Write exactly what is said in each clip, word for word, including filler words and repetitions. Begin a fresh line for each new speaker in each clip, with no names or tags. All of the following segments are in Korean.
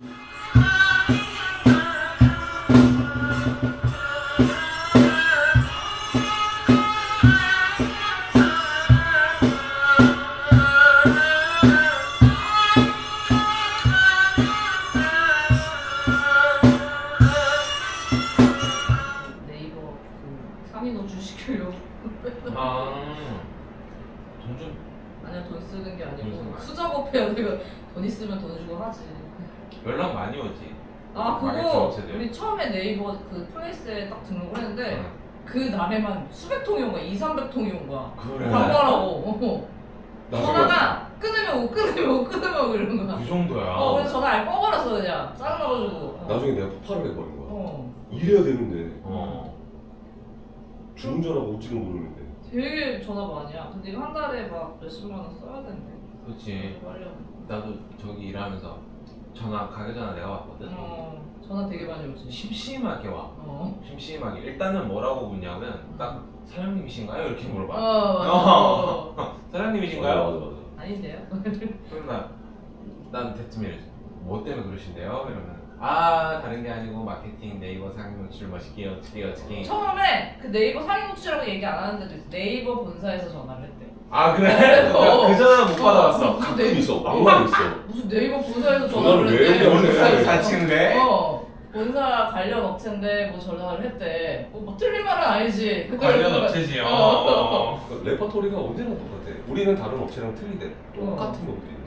네이버 그 상위 노출 시키려고.
아, 돈 좀.
아니야, 돈 쓰는 게
돈
아니고
쓰는 거
수작업해야 내가 돈 있으면 돈 주고 하지.
연락 많이 오지.
아
마케팅
그거
업체들.
우리 처음에 네이버 그 플레이스에 딱 등록을 했는데
응.
그 날에만 수백 통이 온 거야. 이삼백 통이 온 거야.
그래.
광고하라고.
나중에
전화가 끊으면 오 끊으면 오 끊으면 오 이러는 거야.
그 정도야.
어 그래서 전화 아예 꺼버렸어 그냥. 짜증나가지고. 어.
나중에 내가 폭발을 해버린 거야.
어.
이래야 되는데
어.
주문 전화가 올지도 모르는데.
되게 전화 많이 야. 근데 이거 한 달에 막 몇십만 원 써야 되는데.
그렇지.
빨리.
나도 저기 일하면서 전화 가게 전화 내가 왔거든.
어. 전화 되게 많이 오지.
심심하게 와.
어.
심심하게. 일단은 뭐라고 묻냐면 딱 사장님이신가요? 이렇게 물어봐.
어 맞아.
어.
어.
사장님이신가요?
맞아 맞아.
아닌데요?
그럼 나, 난 대뜸 이러지. 뭐 때문에 그러신데요? 이러면 아 다른 게 아니고 마케팅 네이버 상위 노출 멋있게 어떻게 어떻게.
처음에 그 네이버 상위 노출이라고 얘기 안 하는 데도 있어. 네이버 본사에서 전화를 했대.
아 그래?
어.
그 전화 못 받아봤어.
무슨
가끔
네이버,
있어. 왕만 있어.
무슨 네이버 본사에서
전화를
전화를
왜
했대.
해야 돼?
본사에서 사칭돼?
어. 본사 관련 업체인데 뭐 전화를 했대. 뭐, 뭐 틀린 말은 아니지. 근데
관련
그거-
업체지요.
어.
어.
그 레퍼토리가 언제나 똑같아. 우리는 다른 업체랑 틀리대. 똑같은 것도 있네.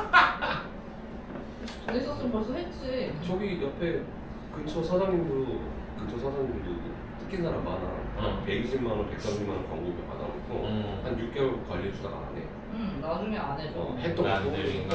돈 있었으면 벌써 했지.
저기 옆에 근처 사장님도 근처 사장님도 뜯긴 사람 많아.
어.
백이십만 원, 백삼십만 원 광고비 받아놓고
음.
한 육 개월 관리해주다가 안 해.
응 나중에 안 해줘.
어, 했던
안
거
들린가?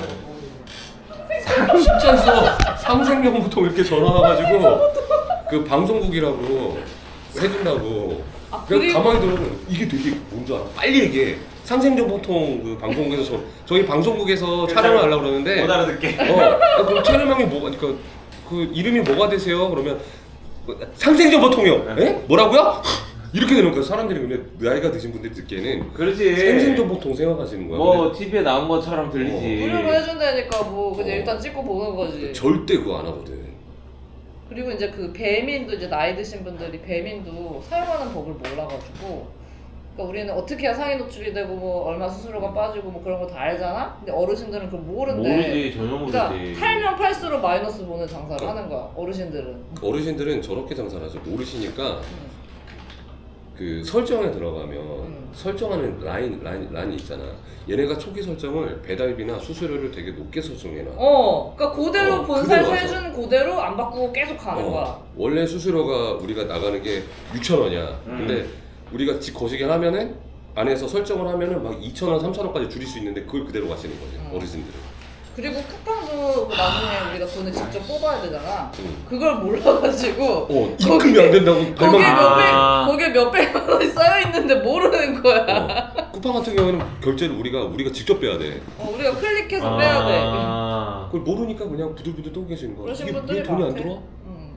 진짜 있어. 삼생명부터 이렇게 전화 와가지고 그 방송국이라고 해준다고.
아,
그냥
그리고-
가만히 들으면 이게 되게 뭔지 알아? 빨리 얘기해. 상생정보통 그 방송국에서 저, 저희 방송국에서 촬영을 하려고 그러는데
못 알아듣게.
어, 아, 그럼 촬영명이 뭐가 그, 그 이름이 뭐가 되세요? 그러면 상생정보통이요. 에? 뭐라고요? 이렇게 되는 거야. 사람들이 근데 나이가 드신 분들이 듣기에는
그렇지.
생생정보통 생각하시는 거야.
뭐 티비에 나온 것처럼 들리지.
무료로 해준다니까 뭐 그냥
어.
일단 찍고 보는 거지.
근데 절대 그거 안 하거든.
그리고 이제 그 배민도 이제 나이 드신 분들이 배민도 사용하는 법을 몰라가지고 그러니까 우리는 어떻게 해야 상위 노출이 되고 뭐 얼마 수수료가 빠지고 뭐 그런 거 다 알잖아. 근데 어르신들은 그걸 모른대.
모르지 전혀 모르지.
그러니까 팔면 팔수록 마이너스 보는 장사를 하는 거야. 어르신들은.
어르신들은 저렇게 장사를 하죠. 모르시니까
응.
그 설정에 들어가면
음.
설정하는 라인, 라인, 라인이 있잖아. 얘네가 초기 설정을 배달비나 수수료를 되게 높게 설정해놔.
어, 그러니까 그대로
어,
본사에서
그대로
해주는 그대로 안 바꾸고 계속 가는
어,
거야.
원래 수수료가 우리가 나가는 게 육천 원이야.
음.
근데 우리가 집 거시기 하면은 안에서 설정을 하면은 막 이천 원, 삼천 원까지 줄일 수 있는데 그걸 그대로 가시는 거지.
음.
어르신들은.
그리고 쿠팡도 나중에 우리가 돈을 직접 뽑아야 되잖아.
음.
그걸 몰라가지고
어, 입금이 안 된다고
거기에
발만.
몇백
아.
거기에 몇백만 원이 쌓여 있는데 모르는 거야.
어. 쿠팡 같은 경우는 결제를 우리가 우리가 직접 빼야 돼.
어, 우리가 클릭해서
아.
빼야 돼.
그걸 모르니까 그냥 부들부들 떠 계시는 거야.
그러신
이게
분들이
왜 돈이 안
많대.
들어와?
응.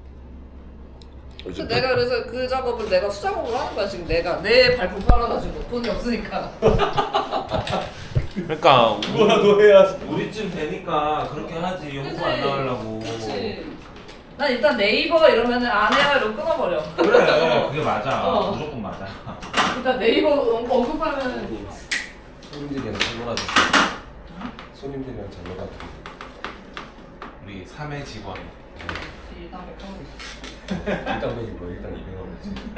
그래서
그래서 내가 그래서 그 작업을 내가 수작업을 하는 거야 지금 내가 내 발품 팔아가지고 돈이 없으니까.
그러니까
그거라도 해야.
우리쯤 되니까 그렇게 하지. 용서
그치?
안 나가려고.
그렇지. 난 일단 네이버 이러면은 안 해요 이러고 끊어버려.
그래 그게 맞아.
어.
무조건 맞아.
일단 네이버 언급하면
손님들이랑 잘 놀아줘. 손님들이랑 잘 놀아줘.
우리 삼 회 직원.
일단 백하고 있어.
일단 백이 뭐 일단 이백 원이지.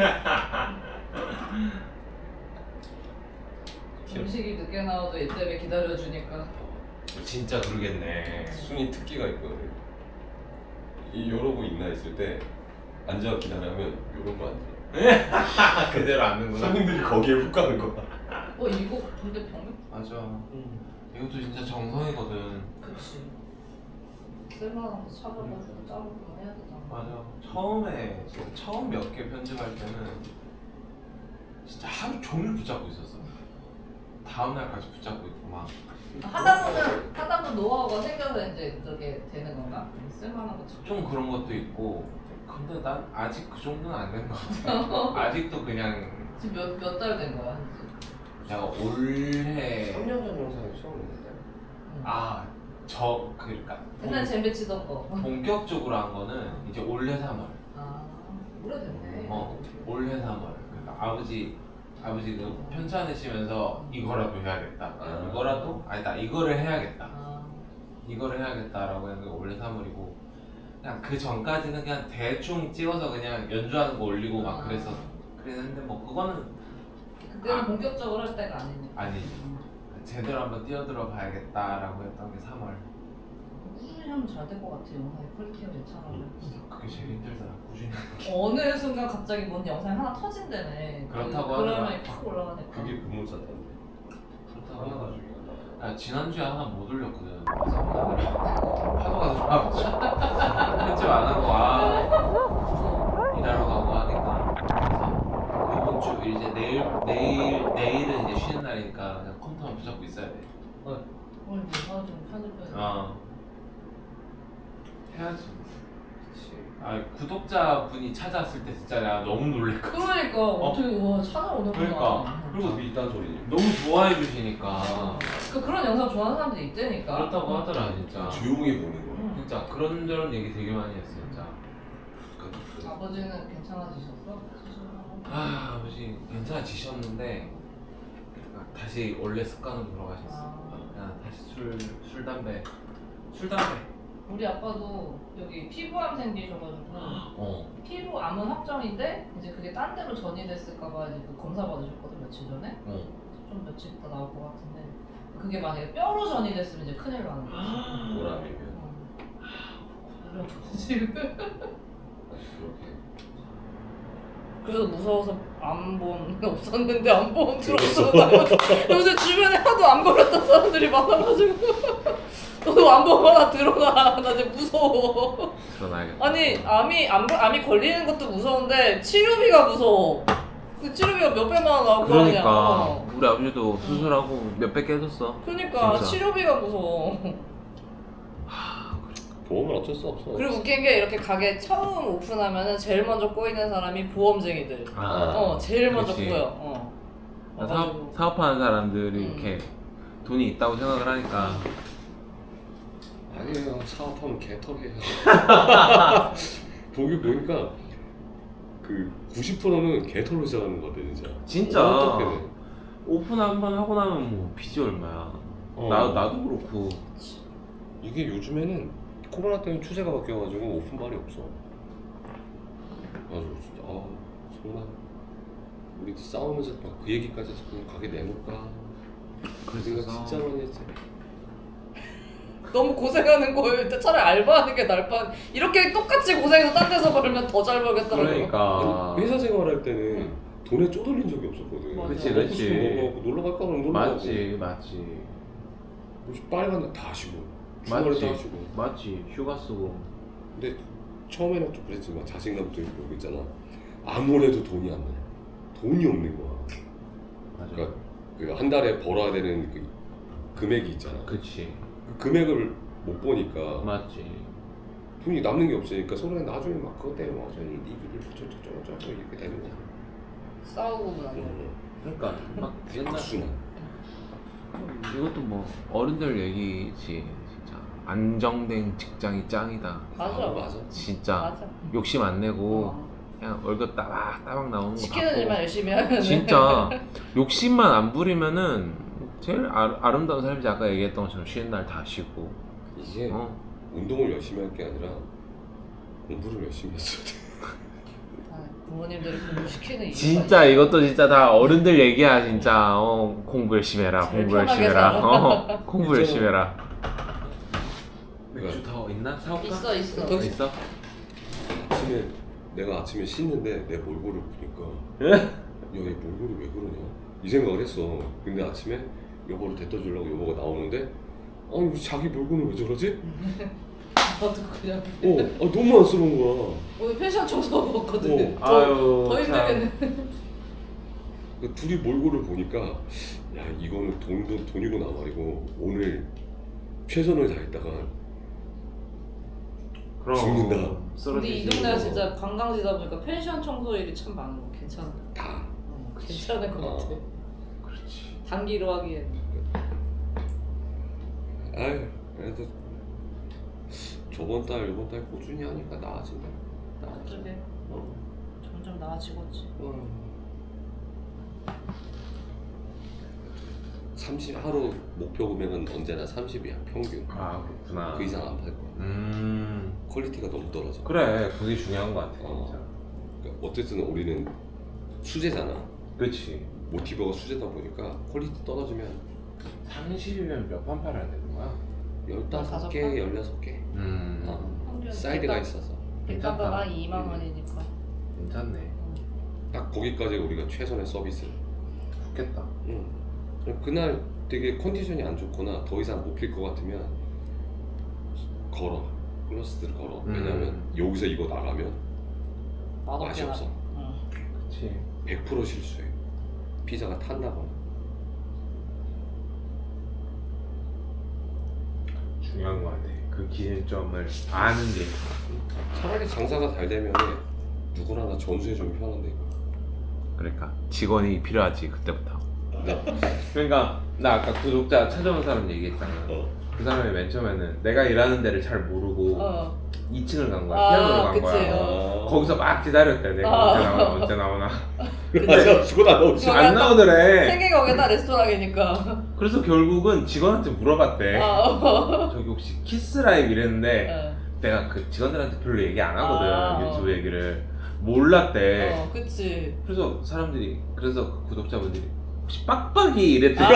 음식이 늦게 나와도 얘 때문에 기다려주니까.
진짜 그러겠네.
순위 특기가 있거든. 이 요러고 있나 있을 때 앉아 기다리면 요러고 앉아.
그대로 앉는구나.
손님들이 거기에 훅 가는 거야.
어 이거 근데 병력?
맞아. 이것도 진짜 정성이거든.
그치. 쓸만한 거 찾아가지고 짜고 해야 되잖아.
맞아. 처음에 진짜 처음 몇 개 편집할 때는 진짜 하루 종일 붙잡고 있었어. 다음 날까지 붙잡고 있고 막.
하다 보면 하다 보면 노하우가 생겨서 이제 그렇게 되는 건가? 쓸만한 거 찾고.
좀 그런 것도 있고. 근데 난 아직 그 정도는 안 된 것 같아. 아직도 그냥
지금 몇 몇 달 된 거야? 한지?
내가 올해
삼 년 전 영상이 처음인데.
아 저 그러니까
옛날 잼배 치던 거.
본격적으로 한 거는 이제 올해 삼월.
아 오래됐네.
어 올해 삼월. 그러니까 아버지 아버지 그 편찮으시면서 이거라도 해야겠다.
아.
이거라도 아니다 이거를 해야겠다.
아,
이거를 해야겠다라고 했는데 올해 삼월이고 그냥 그 전까지는 그냥 대충 찍어서 그냥 연주하는 거 올리고 막
아.
그래서 그랬는데 뭐 그거는
그때는
아.
본격적으로 할 때가 아니니까.
아니지. 제대로 한번 뛰어들어 봐야겠다라고 했던 게 삼월.
꾸준히 하면 잘 될 것 같아. 영상의 퀄리티가 괜찮아.
그게 제일 힘들더라 꾸준히.
어느 순간 갑자기 뭔 영상이 하나 터진다네.
그렇다고
그,
하더라.
그러면 팍 올라가니까.
그게 근무사다는데.
그렇다고
하나가
하더라.
중요하다.
아, 지난주에 하나 못 올렸거든. 그래서 파도가 들어와가지고 편집 안 하고 아 일하러 가고 하니까 그래서 이번 주 이제 내일 내일 내일은 이제 쉬는 날이니까 그냥 컴퓨터만 붙잡고 있어야 돼.
오늘 이제 하루 좀 편집해야 돼.
아 해야지.
그치.
아 구독자분이 찾아왔을 때 진짜 내가 너무 놀랬거든.
그러니까 어떻게 와 찾아오는구나.
그러니까.
그리고 뭐 이딴 소리.
너무 좋아해 주시니까
그 그런 영상 좋아하는 사람들이 있다니까.
그렇다고 하더라 진짜.
조용히 보는 거.
응.
진짜 그런저런 얘기 되게 많이 했어 진짜.
그-
아버지는 괜찮아지셨어?
아 아버지 괜찮아지셨는데 다시 원래 습관으로 돌아가셨어.
아.
그냥 다시 술, 술 담배, 술 담배.
우리 아빠도 여기 피부암 생기셔가지고
어.
피부암은 확정인데 이제 그게 딴 데로 전이됐을까봐 이제 그 검사 받으셨거든 며칠 전에.
어.
좀 며칠 있다 나올 것 같은데 그게 만약에 뼈로 전이됐으면 이제 큰일 나는 거지.
보람이면.
그래 지금.
그렇게.
그래서 무서워서 암보험 없었는데 암보험 들었어. 요새 주변에 하도 암 걸렸던 사람들이 많아가지고 너도 암보험 하나 들어가. 나 이제 무서워.
드러나야겠다.
아니 암이 암, 암이 걸리는 것도 무서운데 치료비가 무서워. 그 치료비가 몇 백만 원 나올 거 아니야.
그러니까
어.
우리 아버지도 수술하고 몇백 깨졌어.
그러니까
진짜.
치료비가 무서워.
보험은 어쩔 수 없어.
그리고 웃긴 게 이렇게 가게 처음 오픈하면은 제일 먼저 꼬이는 사람이 보험쟁이들.
아.
어 제일 먼저
그치.
꼬여. 어.
사업,
와가지고.
사업하는 사람들이
음.
이렇게 돈이 있다고 생각을 하니까
아니에요. 사업하면 개털이에요. 보기 보니까 그 구십 퍼센트는 개털로 시작하는 거 같아 진짜.
진짜
어떻게 돼?
오픈 한 번 하고 나면 뭐 빚이 얼마야.
어.
나, 나도 그렇고
이게 요즘에는 코로나 때문에 추세가 바뀌어가지고 오픈발이 없어. 맞아 진짜 아 정말 우리 싸우면서 막 그 얘기까지 그냥 가게 내놓을까. 그 생각 진짜 많이 했지.
너무 고생하는 거일 때 차라리 알바하는 게 나을 뻔. 이렇게 똑같이 고생해서 딴 데서 벌면 더 잘 벌겠더라고.
그러니까
아니, 회사 생활할 때는 돈에 쪼들린 적이 없었거든.
맞아.
그치,
먹고
그치.
싶으면 먹고 놀러 갈까 그러면 놀러 가고.
맞지 맞지
뭐 빨리 간다 다 쉬고. 주말에
맞지
다 쉬고.
맞지 휴가 쓰고
근데 처음에는 좀 그랬지만 자신감도 있고 있잖아. 아무래도 돈이 안 나. 돈이 없는 거야.
맞아
그러니까 그 한 달에 벌어야 되는 그 금액이 있잖아.
그치
그 금액을 못 보니까
맞지
돈이 남는 게 없으니까 서로 나중에 막 그것 때문에 막 저기 니들이 저저저저 이렇게 되는 거야.
싸우고 나서.
그러니까 막 옛날
악순환.
이것도 뭐 어른들 얘기지 진짜 안정된 직장이 짱이다
맞아.
아, 맞아.
진짜
맞아.
욕심 안 내고
어.
그냥 월급 따박 따박 나오는 거
시키는
받고
일만 열심히 하면
진짜 욕심만 안 부리면은 제일 아, 아름다운 삶이지. 아까 얘기했던 것처럼 쉬는 날 다 쉬고
이게
어?
운동을 열심히 할 게 아니라 공부를 열심히 했어야 돼.
아, 부모님들이 공부시키는 이유가
진짜 이것도 진짜 다 어른들 얘기야 진짜. 어, 공부 열심히 해라
제일
공부 열심히
편하게
해라
살아.
어, 공부
진짜.
열심히 해라.
맥주
더 있나? 사올까?
있어 있어.
더
있어?
아침에 내가 아침에 씻는데 내 몰골을 보니까
예?
야얘 몰골이 왜 그러냐 이 생각을 했어. 근데 아침에 여보를 데려다 주려고 여보가 나오는데 아니 왜 자기 몰골은 왜 저러지?
나도 그냥
어, 아, 너무 안쓰러운 거야.
오늘 펜션 청소하고 왔거든.
어.
더,
아유,
더 힘들겠네.
그 둘이 몰골을 보니까 야 이거는 돈도 돈이구나 말이고 오늘 최선을 다했다가
그럼
죽는다.
근데
쓰러지지.
이 동네가 진짜 관광지다 보니까 펜션 청소 일이 참 많은 거 괜찮아.
다
어, 괜찮은 것
어.
같아.
그렇지.
단기로 하기엔.
아유 그래도 저번 달 이번 달 꾸준히 하니까 나아진다. 나아져.
그게
어.
점점 나아지겠지.
어. 삼십 하루 목표 금액은 언제나 삼십이야 평균.
아 그렇구나.
그 이상 안 팔 거야.
음
퀄리티가 너무 떨어져.
그래 그게 중요한 것 같아
어.
진짜.
그러니까 어쨌든 우리는 수제잖아.
그렇지.
모티버가 수제다 보니까 퀄리티 떨어지면
삼십이면 몇 판 팔아야 되는 거야?
열다섯
다섯
개,
판?
열여섯 개.
음
어. 사이드가 있어서
백단가가
괜찮다.
이만 원이니까.
괜찮네.
딱 거기까지 우리가 최선의 서비스.
좋겠다.
응. 그날 되게 컨디션이 안 좋거나 더 이상 못 필 것 같으면 걸어. 플러스를 걸어.
음.
왜냐면 여기서 이거 나가면
맛없게
맛이
나-
없어.
응.
그렇지.
백 퍼센트 실수해. 피자가 탄다거나.
중요한 것 같아. 그 기준점을 아는 게.
차라리 장사가 잘 되면 누구나 다 전수해 주면 편한데.
그러니까 직원이 필요하지 그때부터.
나.
그러니까 나 아까 구독자 찾아온 사람 얘기했잖아.
어.
그 사람이 맨 처음에는 내가 일하는 데를 잘 모르고
어.
이 층을 간 거야.
아,
피아노로 간
그치.
거야.
어.
거기서 막 기다렸대. 내가
아.
언제 나오나 언제 나오나.
맞아. 죽어 다 넣었지.
그거
안
약간
나오더래.
생긴 거기다 레스토랑이니까.
그래서 결국은 직원한테 물어봤대.
아, 어.
저기 혹시 키스라이브 이랬는데
어.
내가 그 직원들한테 별로 얘기 안 하거든.
아,
유튜브 얘기를 몰랐대.
어, 그치.
그래서 사람들이 그래서 그 구독자분들이 혹시 빡빡이 이랬대.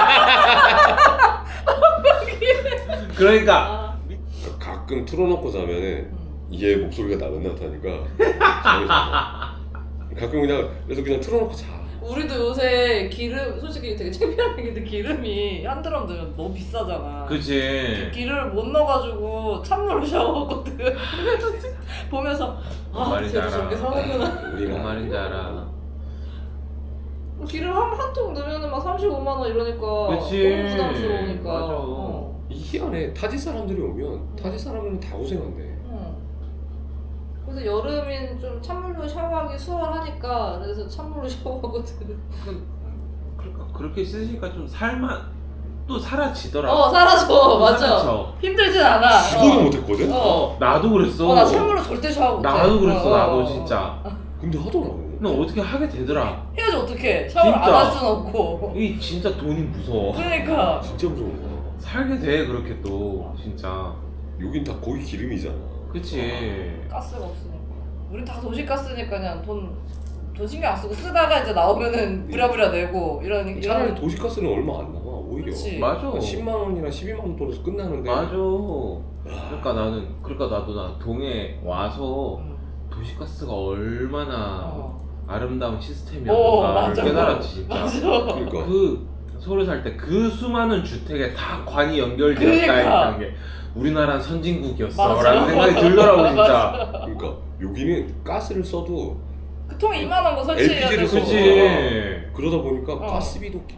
그러니까
아.
가끔 틀어놓고 자면은
음.
얘 목소리가 나긋 나긋하니까 잠이 잘 가끔 그냥 그래서 그냥 틀어놓고 자.
우리도 요새 기름 솔직히 되게 창피한 얘기인데 기름이 한 드럼 들면 너무 비싸잖아.
그치.
기름을 못 넣어가지고 찬물로 샤워하거든. 그래서 보면서
뭔
아
말인지
쟤도
알아.
저렇게 사는구나.
우리가
뭔 말인지 알아.
기름 한 한 통 넣으면 막 삼십오만 원 이러니까
그치.
너무 부담스러우니까.
맞아.
어.
이 희한해. 타지 사람들이 오면 타지 사람들은 다 고생한대.
어. 그래서 여름인 좀 찬물로 샤워하기 수월하니까 그래서 찬물로 샤워하거든.
그러니까 그렇게 쓰시니까 좀 살만 또 사라지더라.
어 사라져. 맞아.
사라져.
힘들진 않아.
죽어도
어.
못했거든.
어.
어, 나도 그랬어.
어, 나 찬물로 절대 샤워 못해.
나도 그랬어.
어,
나도
어,
진짜.
근데 하더라고.
근데 어떻게 하게 되더라.
해야지 어떡해. 샤워를 안
진짜.
할 순 없고.
이 진짜 돈이 무서워.
그러니까.
진짜 무서운 거야.
살게 돼 그렇게 또 진짜.
여긴 다 거의 기름이잖아.
그치.
가스가 없으니까. 우린 다 도시가스니까 그냥 돈, 돈 신경 안 쓰고 쓰다가 이제 나오면은 부랴부랴 내고 이런
차라리
이런.
도시가스는 얼마 안 나와. 오히려
그치.
맞아.
한 십만 원이나 십이만 원 떨어서 끝나는데.
맞아. 그러니까 나는 그러니까 나도 나 동해 와서
음.
도시가스가 얼마나
어.
아름다운
오,
시스템이었는가
맞아.
깨달았지 진짜.
맞아.
그러니까.
그 서울에 살 때 그 수많은 주택에 다 관이 연결되어
그러니까.
있다는 게 우리나라는 선진국이었어
맞아.
라는 생각이 들더라고 진짜.
맞아.
그러니까 여기는 가스를 써도
그 통에 이만한 거 설치해야
엘피지를
되고.
그치.
그러다 보니까
어.
가스비도 기-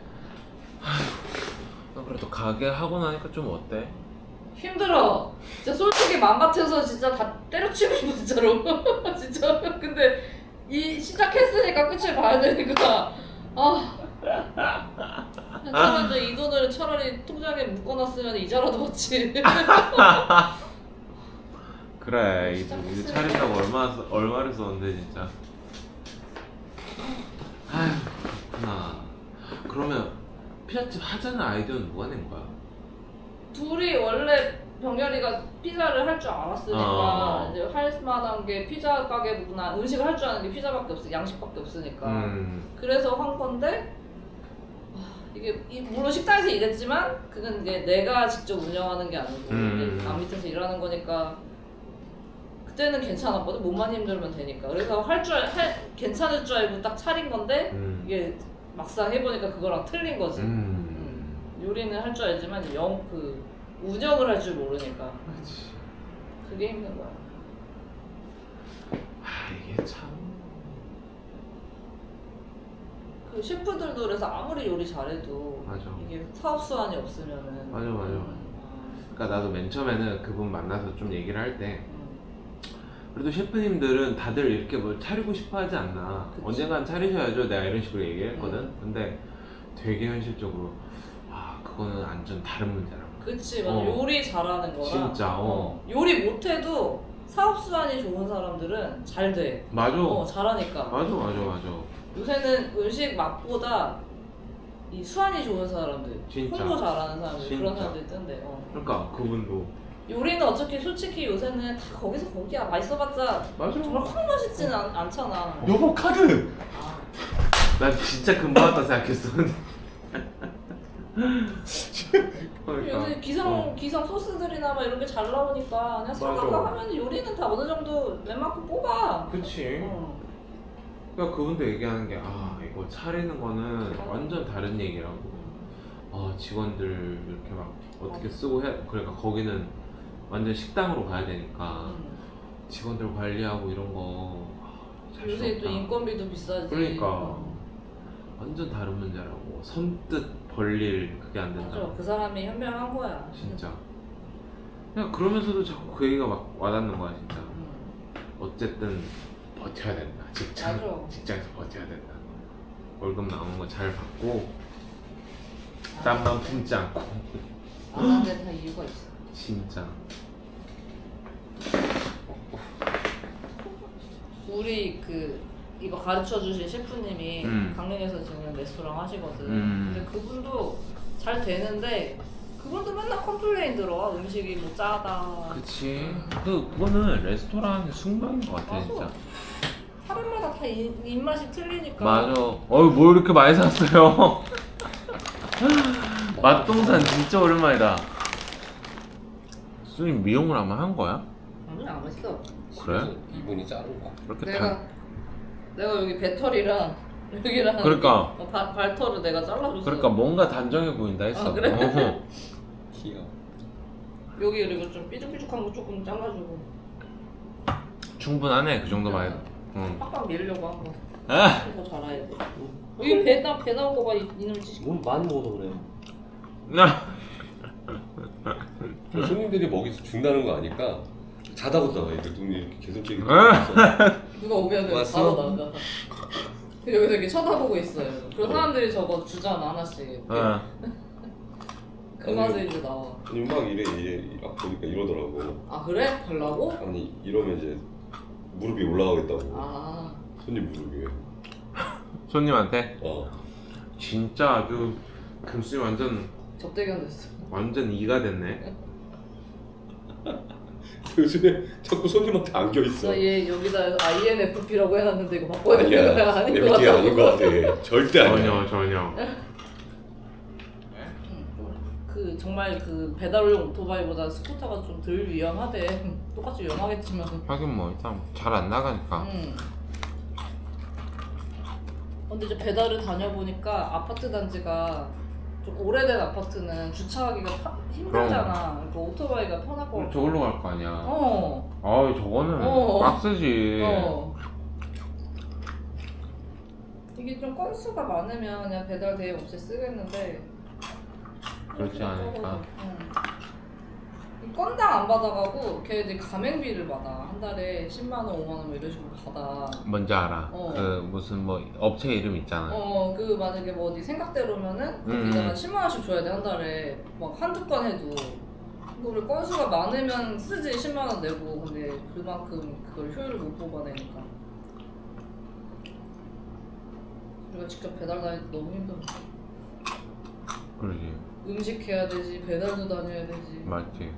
나 그래도 가게 하고 나니까 좀 어때?
힘들어. 진짜 솔직히 맘 같아서 진짜 다 때려치고 싶어 진짜로. 진짜. 근데 이 시작했으니까 끝을 봐야 되니까. 아. 차라리 이 돈을 차라리 통장에 묶어놨으면 이자라도 받지.
그래 이제
시작했으니까.
이제 차린다고 얼마 써- 얼마를 썼는데 진짜. 아휴 그렇구나. 그러면 피자집 하자는 아이디어는 누가 낸 거야?
둘이 원래 병렬이가 피자를 할 줄 알았으니까
어.
이제 할 만한 게 피자 가게구나. 음식을 할 줄 아는 게 피자밖에 없어. 양식밖에 없으니까.
음.
그래서 한 건데 아, 이게 이- 물론 식당에서 일했지만 그건 이제 내가 직접 운영하는 게 아니고
음.
이제 남 밑에서 일하는 거니까 그때는 괜찮았거든. 몸만 힘들면 되니까. 그래서 할 줄 할 괜찮을 줄 알고 딱 차린 건데
음.
이게 막상 해보니까 그거랑 틀린 거지.
음.
음. 요리는 할 줄 알지만 영 그 운영을 할 줄 모르니까
그렇지.
그게 힘든 거야.
아 이게 참.
그 셰프들도 그래서 아무리 요리 잘해도
맞아.
이게 사업 수완이 없으면은
맞아, 맞아. 그러니까 나도 맨 처음에는 그분 만나서 좀 얘기를 할 때
음.
그래도 셰프님들은 다들 이렇게 뭘 차리고 싶어 하지 않나.
그치.
언젠간 차리셔야죠. 내가 이런 식으로 얘기했거든.
음.
근데 되게 현실적으로 아 그거는 완전 다른 문제라고.
그치 맞아.
어.
요리 잘하는 거랑
진짜, 어.
요리 못해도 사업 수완이 좋은 사람들은 잘 돼.
맞아.
어 잘하니까.
맞아 맞아 맞아.
요새는 음식 맛보다 이 수완이 좋은 사람들,
진짜.
홍보 잘하는 사람들 그런
진짜.
사람들이 뜬대. 어.
그러니까 그분도
요리는 어차피 솔직히 요새는 다 거기서 거기야. 맛있어봤자
맞아.
정말 확 맛있지는 않, 않잖아.
여보 카드.
아,
난 진짜 금방 왔다 생각했었는데. 그러니까.
요새 기상
어.
기상 소스들이나 막 이런 게 잘 나오니까 그냥 사다가
맞아.
하면 요리는 다 어느 정도 웬만큼 뽑아.
그치.
어.
그러니까 그분도 얘기하는 게 아 이거 차리는 거는
어.
완전 다른 얘기라고. 아 직원들 이렇게 막 어떻게 쓰고 해. 그러니까 거기는 완전 식당으로 가야 되니까
음.
직원들 관리하고 이런 거. 아, 잘
요새
수
또
없다.
인건비도 비싸지.
그러니까.
어.
완전 다른 문제라고. 선뜻 벌릴 그게 안 된다.
맞아. 그 사람이 현명한 거야.
진짜. 그냥 그러면서도 자꾸 그 얘기가 막 와닿는 거야 진짜.
음.
어쨌든 버텨야 된다. 직장
맞아.
직장에서 버텨야 된다. 월급 나오는 거 잘 받고 땀만 품지 않고.
안 하는 데 다 이유가 있어.
진짜.
우리 그 이거 가르쳐 주신 셰프님이
음.
강릉에서 지금 레스토랑 하시거든.
음.
근데 그분도 잘 되는데 그분도 맨날 컴플레인 들어. 음식이 뭐 짜다.
그치. 그 그거는 레스토랑 숙명인 것 같아
맞아.
진짜.
사람마다 다 입, 입맛이 틀리니까.
맞아. 어이 뭐 이렇게 많이 샀어요. 맛동산 진짜 오랜만이다. 수님 미용을 아마 한 거야?
아니 안 했어.
그래?
이분이 자른 거.
그렇게
내가
다.
내가 여기 배털이랑 여기랑
그러니까.
어, 발, 발털을 내가 잘라줬어.
그러니까 뭔가 단정해 보인다 했어.
아, 그래?
어허.
귀여워.
여기 그리고 좀 삐죽삐죽한 거 조금 잘라주고
충분하네 그 정도만 해도. 응.
빡빡 밀려고 한 거.
아.
이거 잘해야 돼. 여기 배, 나, 배 나온 거 봐, 이- 이놈의 지식.
뭘 많이 먹어서 그래.
나.
손님들이 먹이 죽나는 거 아니까 자다고 나와. 이렇게 눈이 이렇게 계속 찌게.
누가 오면
왔어?
바로 나가. 여기서 이렇게 쳐다보고 있어요. 그리고 사람들이 저거 주잖아, 하나씩. 이렇게.
어.
그 맛에 이제 나와.
아니 막 이래 이래 막 보니까 이러더라고.
아, 그래? 달라고?
아니 이러면 이제 무릎이 올라가겠다고.
아.
손님 무릎이.
손님한테
어.
진짜 아주 금수님 완전
접대견 됐어.
완전 이가 됐네.
요즘에 자꾸 손님한테 안겨 있어.
나얘 여기다 아이엔에프피라고 해놨는데 이거 바꿔야 되는
아니야.
거야? 아닌 것
에비티
같아.
아닌 것 같아. 절대 아니야.
전혀 전혀.
그 정말 그 배달용 오토바이보다 스쿠터가 좀 덜 위험하대. 똑같이 위험하겠지만.
하긴 뭐 일단 잘 안 나가니까.
음. 근데 이제 배달을 다녀보니까 아파트 단지가 좀 오래된 아파트는 주차하기가 파, 힘들잖아. 그러니까 오토바이가 편할 거
그럼
같아.
저걸로 갈 거 아니야.
어.
아 저거는
어.
빡세지.
어. 이게 좀 건수가 많으면 그냥 배달 대행 없이 쓰겠는데.
그렇지 않을까.
응. 이 건당 안 받아가고 걔네들이 가맹비를 받아. 한 달에 십만 원, 오만 원 뭐 이런 식으로 받아.
뭔지 알아.
어.
그 무슨 뭐 업체 이름 있잖아.
어, 그 만약에 뭐 어디 생각대로면은
음.
거기다가 십만 원씩 줘야 돼, 한 달에. 막 한두 건 해도. 근데 우리 건수가 많으면 쓰지 십만 원 내고. 근데 그만큼 그걸 효율을 못 뽑아내니까. 우리가 직접 배달 다닐 때 너무 힘들어.
그러지.
음식 해야 되지, 배달도 다녀야 되지.
맞지.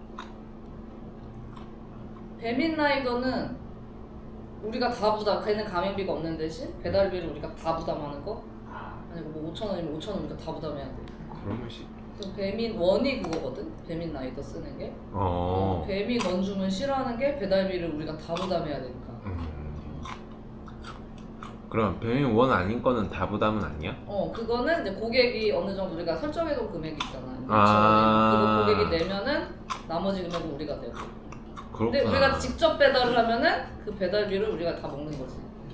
배민 라이더는 우리가 다 부담, 걔는 가맹비가 없는 대신 배달비를 우리가 다 부담하는 거? 아니고 뭐 오천 원이면 오천 원 우리가 다 부담해야 돼.
그러면 씨.
그래서 배민 원이 그거거든? 배민 라이더 쓰는 게.
어.
배민 원주문 싫어하는 게 배달비를 우리가 다 부담해야 되니까.
음. 그럼 배민 원 아닌 거는 다 부담은 아니야?
어, 그거는 이제 고객이 어느 정도 우리가 설정해놓은 금액이 있잖아.
아.
그거 고객이 내면은 나머지 금액은 우리가 내고. 근데
그렇구나.
우리가 직접 배달을 하면은 그 배달비를 우리가 다 먹는 거지.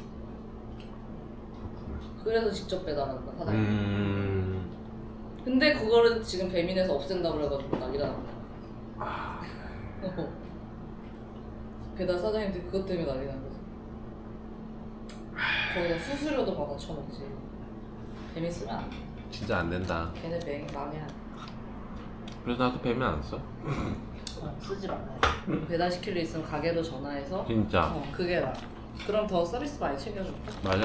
그래서 직접 배달한다, 사장님.
음.
근데 그거를 지금 배민에서 없앤다고 그래가지고 난리가 났네.
아.
배달 사장님들이 그것 때문에 난리 난 거지. 거기다 수수료도 받아 쳐먹지. 배민 쓰면 안 돼.
진짜 안 된다.
걔네 맹 망해.
그래서 나도 배면 안 써.
어, 쓰지 말아요. 배달시킬 일 있으면 가게로 전화해서
진짜.
어, 그게 나. 그럼 더 서비스 많이 챙겨줄게.
맞아.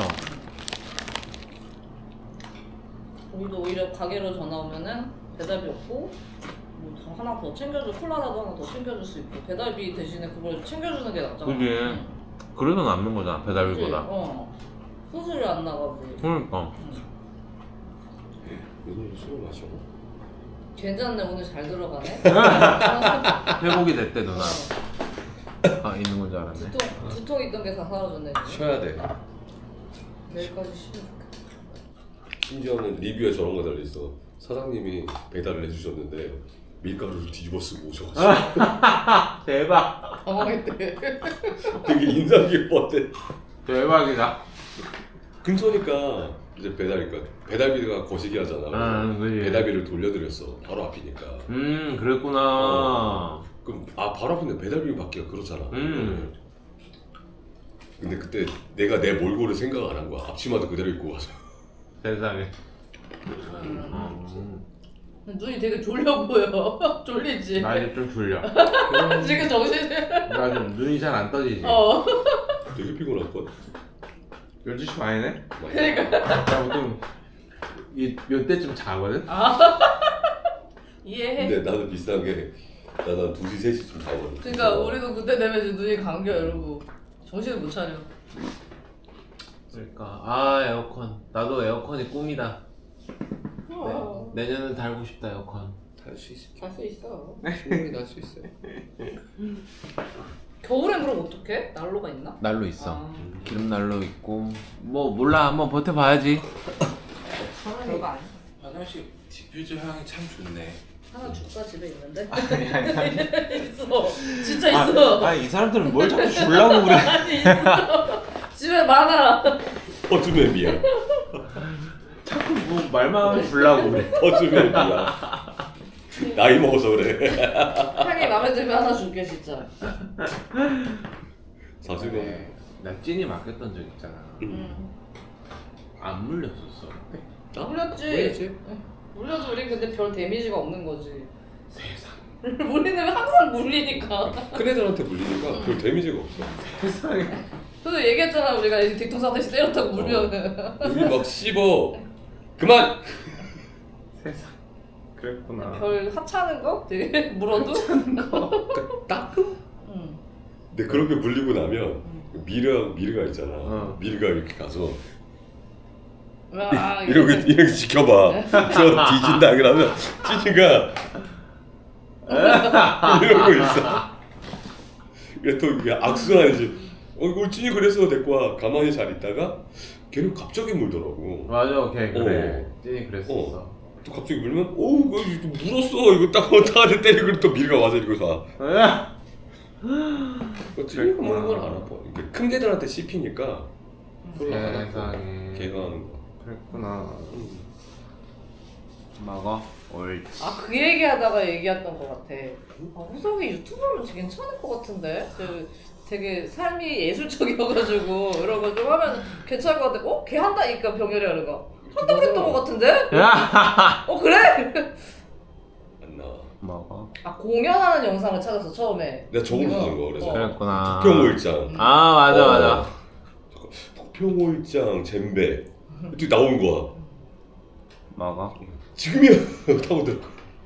우리도 오히려 가게로 전화 오면은 배달비 없고 뭐 더 하나 더 챙겨줘, 콜라라도 하나 더 챙겨줄 수 있고 배달비 대신에 그걸 챙겨주는 게 낫잖아.
그지.
응.
그래서 남는 거잖아
그치?
배달비보다.
어. 수수료 안 나가고.
그러니까.
응.
오늘 술 마셔.
괜찮네, 오늘 잘 들어가네.
회복이 됐대 누나.
어.
아 있는 건 줄 알았네.
두통, 두통 있던 게 다 사라졌네. 지금.
쉬어야 돼.
내일까지 쉬면 좋겠다.
심지어는 리뷰에 저런 거 달려있어. 사장님이 배달을 해주셨는데 밀가루를 뒤집어 쓰고 오셔가지고
대박.
당황했대.
되게 인상 깊었대.
대박이다.
근처니까 이제 배달이니까 배달비가 거시기 하잖아.
아, 그지.
배달비를 돌려드렸어. 바로 앞이니까.
음 그랬구나.
어. 그럼 아 바로 앞인데 배달비 받기가 그렇잖아.
음.
근데 그때 내가 내 몰골을 생각 안 한 거야. 앞치마도 그대로 입고 가서.
세상에.
음.
음.
눈이 되게 졸려 보여. 졸리지?
나 이제 좀 졸려.
지금 정신이.
나 좀 눈이 잘 안 떠지지.
어.
되게 피곤할걸?
열두 시 반이네?
그러니까.
나 보통 이, 몇 때쯤 자거든?
이해해.
근데 나도 비슷한 게 나는 두 시, 세 시쯤 자거든.
그러니까 우리도 그때 되면 이제 눈이 감겨 이러고 정신을 못 차려.
그러니까 아 에어컨. 나도 에어컨이 꿈이다.
어.
네, 내년은 달고 싶다 에어컨.
탈수 있어.
갈 수 있어.
충분히 탈수 있어.
겨울엔 그럼 어떡해? 난로가 있나?
난로 있어.
아.
기름 난로 있고 뭐 몰라 한번 버텨봐야지.
저는 이거 아니야.
화장실 디퓨저 향이 참 좋네.
하나 줄까? 집에 있는데?
아니 아니 아니.
있어. 진짜 있어.
아, 이 사람들은 뭘 자꾸 주려고 그래.
아니 있어. 집에 많아.
퍼즈맵이야.
자꾸 뭐 말만 하면 주려고 그래.
퍼즈맵이야. 나이 먹어서 그래.
향이 마음에 들면 하나 줄게 진짜.
사실은
네, 나 찐이 맡겼던 적 있잖아.
음.
안 물렸었어.
아,
물렸지.
물렸지.
응. 물려도 우리 근데 별 데미지가 없는 거지.
세상.
우리는 항상 물리니까.
큰 애들한테 물리니까 별 데미지가 없어.
세상에.
그래서 얘기했잖아 우리가 이제 뒤통수한테 때렸다고 물면은.
우리 막 씹어. 그만.
세상. 그랬구나.
별 하찮은 거? 되게 물어도?
그 따끔?
응.
근데 그렇게 물리고 나면
응.
미르 미르가 있잖아.
어.
미르가 이렇게 가서
아,
이렇게 이렇게 지켜봐. 저 뒤진다 그러면 찌니가 이러고 있어. 그래 또 이게 악순환이지. 어 이거 찌니 그래서 데리고 와. 가만히 잘 있다가 걔는 갑자기 물더라고.
맞아, 걔 그래.
어.
찐이 그랬었어.
어. 또 갑자기 물면 오 이거 물었어. 이거 딱 어떡하지 때리고 또 미르가 와서 이러고 가. 어, 찌니가 먹는 건 안 아파. 이게 큰 개들한테 씹히니까 별로 안 아파.
세상에.
걔가 하는 거.
그랬구나.
음.
먹어. 옳지.
아, 그 얘기하다가 얘기했던 것 같아. 아, 호석이 유튜브로 괜찮을 것 같은데? 그 되게 삶이 예술적이어가지고 이런 거 좀 하면 괜찮을 것 같아. 어? 걔 한다니까 병렬이 하는 거. 한다고 그랬던 것 같은데? 어 그래?
안 나와.
먹어.
아 공연하는 영상을 찾았어 처음에.
내가 저걸로
이거.
찾은 거 그래서.
어.
그랬구나.
독평오일장.
아 맞아
어.
맞아.
독평오일장 젬베 이렇게 나온 거야.
먹어.
지금이야 타고 들어.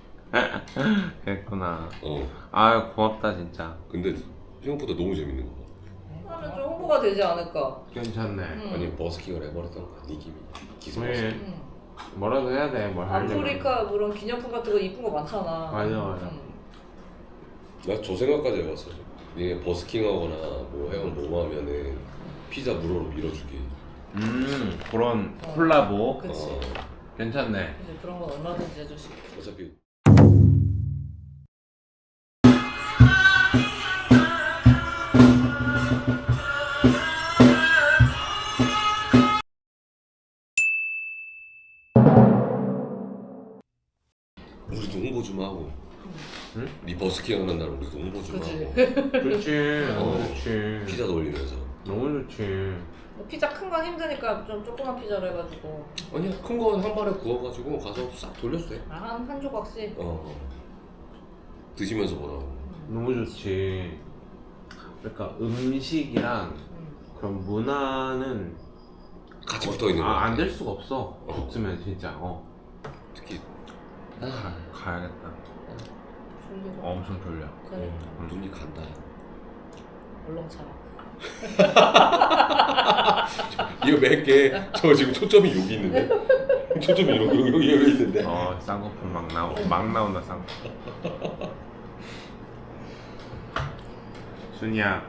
그랬구나.
어.
아 고맙다 진짜.
근데 생각보다 너무 재밌는 거.
하면 좀 홍보가 되지 않을까.
괜찮네.
음.
아니 버스킹을 해버렸던 거야 느낌이. 기스
왜?
버스킹.
음.
뭐라도 해야 돼. 뭘 하려면.
아프리카 그런 기념품 같은 거 이쁜 거 많잖아.
맞아, 맞아.
음.
나 저 생각까지 해봤어. 이게 버스킹하거나 뭐 해양 뭐 하면은 피자 무료로 밀어주기.
음 그런
어.
콜라보.
그치.
어.
괜찮네.
이제 그런 건 얼마든지 해줄 수 있고.
어차피 우리도 홍보 좀 하고.
응?
네 버스킹 하는 날 우리도 홍보 좀
그치.
하고.
좋지.
어.
너무 좋지.
피자도 올리면서.
너무 좋지.
피자 큰 건 힘드니까 좀 조그만 피자로 해가지고
아니야 큰 거 한 발에 구워가지고 가서 싹 돌려도 돼.
한, 한 조각씩.
어. 드시면서 보라고.
너무 좋지. 그러니까 음식이랑
음.
그런 문화는
같이 붙어 있는 거
아,
같아.
안 될 수가 없어. 붙으면 진짜 어
특히
가, 가야겠다.
졸리고.
엄청 졸려.
그러니까
음, 눈이 간다.
얼렁 차라.
이거 몇 개 저 지금 초점이 여기 있는데. 초점이 여기 여기 여기, 여기 있는데.
어 쌍꺼풀 막 나오 막 나온다 쌍꺼풀. 순이야.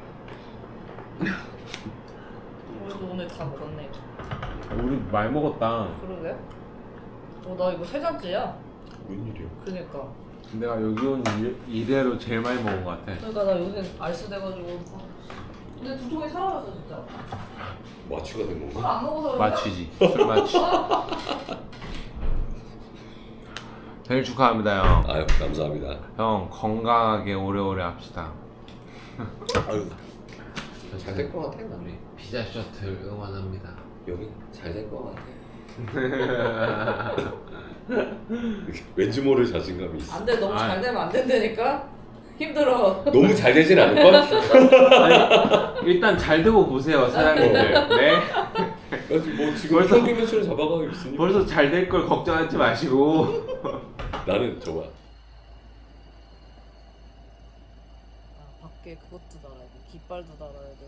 우리도 오늘 다 먹었네.
우리 많이 먹었다.
그러게? 어, 나 이거 세 잔째야.
웬일이야?
그니까.
내가 여기 온 일- 이래로 제일 많이 먹은 것 같아.
그러니까 나 요새 알스 돼가지고. 근데 두통이 사라졌어 진짜.
마취가 된
술
건가?
안 먹어서 그런가?
마취지. 술 마취. 생일 축하합니다 형.
아유 감사합니다.
형 건강하게 오래오래 합시다.
아유 잘 될 것 같아 나.
우리 피자 셔틀 응원합니다.
여기 잘 될 것 같아. 왠지 모를 자신감이 있어.
안 돼, 너무
아이.
잘 되면 안 된다니까? 힘들어.
너무 잘 되진 않을 걸?
아니, 일단 잘 되고 보세요 사장님들. 네.
뭐 지금
벌써-
평균 매출을 잡아가고 있으니.
벌써 잘 될 걸 걱정하지 마시고.
나는 정말
아, 밖에 그것도 달아야 돼. 깃발도 달아야 돼.